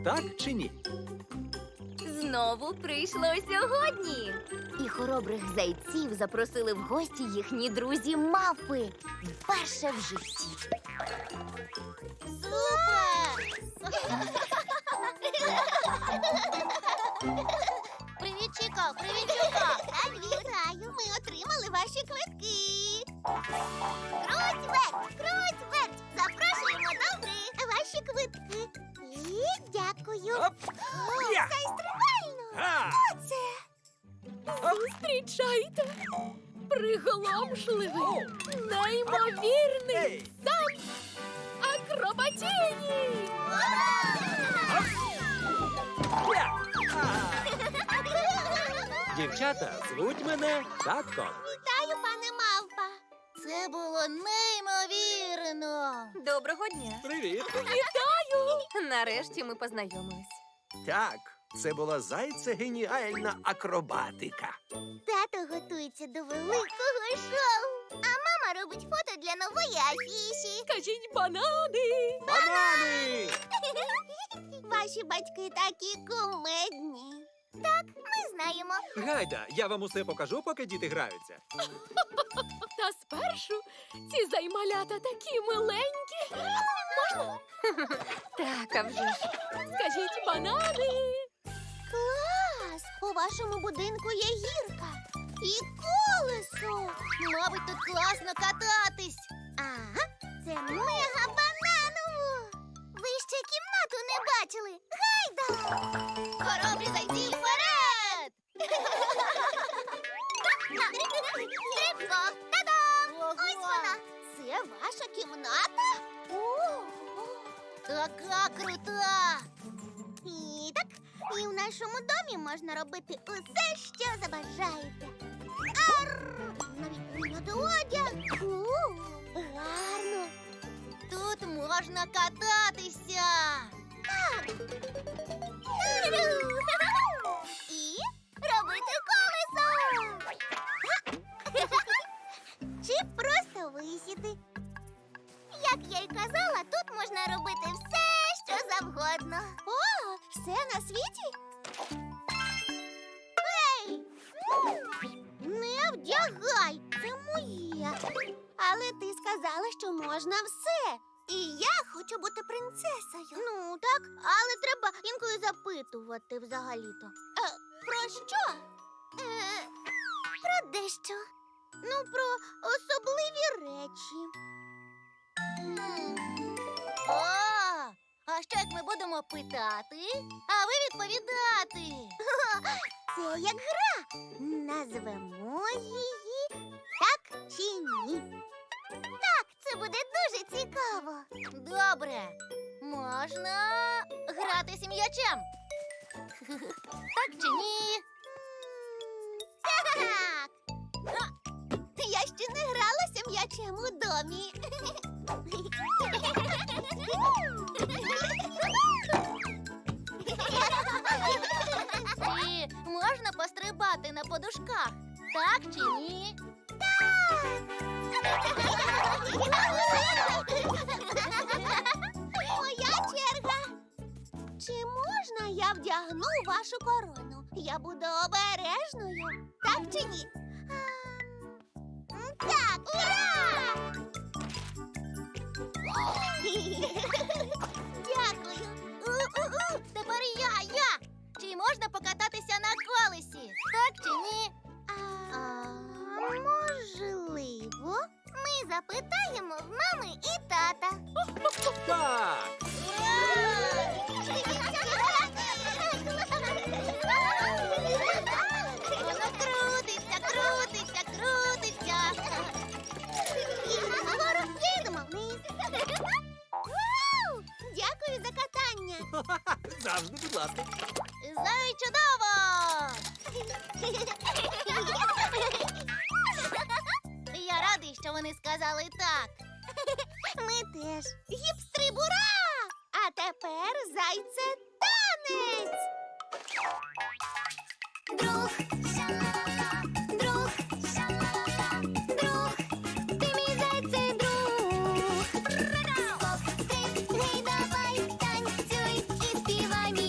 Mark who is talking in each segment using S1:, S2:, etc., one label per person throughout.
S1: так чи ні?
S2: Знову прийшло сьогодні. І хоробрих зайців запросили в гості їхні друзі-мавпи. Вперше в житті.
S3: Супер! Привіт, Чіко! Привіт, Чуко! Вітаю! Ми отримали ваші квитки! Круть верть! Круть верть! Запрошуємо до гри! Ваші квитки! І дякую!
S1: Оп! Я!
S3: Це стрибально!
S1: Га!
S3: Оце!
S2: Зустрічайте! Приголомшливий, неймовірний,
S1: Ей!
S2: сам Акробатіні!
S1: Я! Дівчата, звуть мене Татко.
S3: Вітаю, пане Мавпа! Це було неймовірно!
S2: Доброго дня!
S1: Привіт.
S2: Вітаю! Нарешті ми познайомились.
S1: Так, це була зайце-геніальна акробатика.
S3: Тато готується до великого шоу, а мама робить фото для нової афіші.
S2: Кажіть банани!
S1: Банани!
S3: Ваші батьки такі кумедні. Так, ми знаємо.
S1: Гайда, я вам усе покажу, поки діти граються.
S2: Та спершу ці займалята такі миленькі. Можна? Так, а вже ж. Скажіть банани!
S3: Клас! У вашому будинку є гірка і колесо. Мабуть, тут класно кататись. Ага, це мега-бананово. Ви ще кімнату не бачили. Гайда! Хоробрі зайці вперед! Стрибко! Та-дам! Ось вона! Це ваша кімната? О, така крута! І так, і в нашому домі можна робити усе, що забажаєте. Навіть прийняти одяг. Гарно. Тут можна кататися. Так. І робити колесо. Чи просто висіти. Як я й казала, тут можна робити все, що завгодно. О, все на світі? Ей! Не вдягай, це моє. Але ти сказала, що можна все. І я хочу бути принцесою. Ну, так, але треба інколи запитувати взагалі-то. Про що? Про дещо. Ну, про особливі речі. А що як ми будемо питати, а ви відповідати? Це як гра. Назвемо її так чи ні. Так, це буде дуже цікаво. Добре. Можна гратися м'ячем. Так чи ні? Так. Я ще не гралася м'ячем у домі. І можна пострибати на подушках, так чи ні? Моя черга. Чи можна я вдягну вашу корону? Я буду обережною, так чи ні? Так, ура! Дякую. Тепер я. Чи можна покататися на колесі? Так чи ні? Можливо. Ми запитаємо в мами і тата.
S1: Так!
S3: Воно крутиться, крутиться, крутиться. Вгору їдемо вниз. Вау! Дякую за катання.
S1: Завжди, будь ласка.
S3: Знаю, чудово! Я радий, що вони сказали так. Ми теж. Гіп-стрибура! А тепер зайце танець! Друг, ша-ла-ла, друг, ша-ла-ла, друг, ти мій зайце друг. Скок, стриб, гей, давай, танцюй і співай мій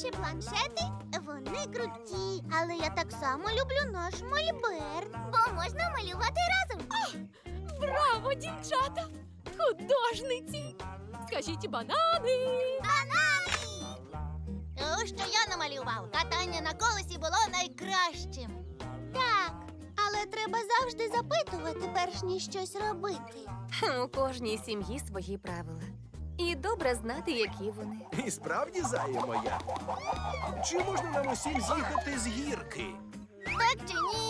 S3: наші планшети, вони круті. Але я так само люблю наш мольберт. Бо можна малювати разом.
S2: Браво, дівчата! Художниці! Скажіть банани!
S3: Банани! Що я намалював? Катання на колесі було найкращим. Так, але треба завжди запитувати, перш ніж щось робити.
S4: У кожній сім'ї свої правила. І добре знати, які вони.
S5: І справді, зая моя. Чи можна нам усім з'їхати з гірки?
S3: Так чи ні?